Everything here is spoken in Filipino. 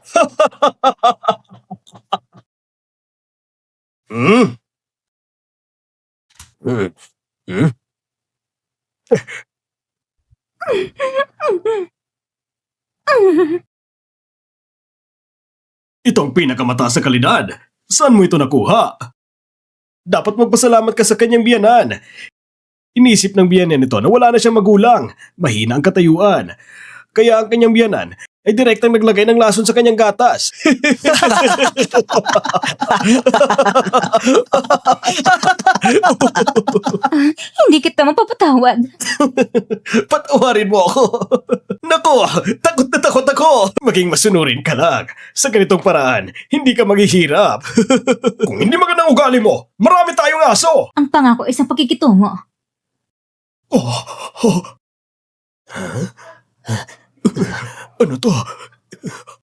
Hmm? Hmm? Hmm? Ito ang pinakamataas sa kalidad. Saan mo ito nakuha? Dapat magpasalamat ka sa kanyang biyanan. Inisip ng biyanan nito na wala na siyang magulang, mahina ang katayuan. Kaya ang kanyang biyanan ay direktang naglagay ng lason sa kanyang gatas. Hindi kita mapapatawad. Patawarin mo ako. Nako, takot na takot ako. Maging masunurin ka lang. Sa ganitong paraan, hindi ka maghihirap. Kung hindi magandang ugali mo, marami tayong aso. Ang pangako ay isang pagkikitungo. Oh, oh. Ano to?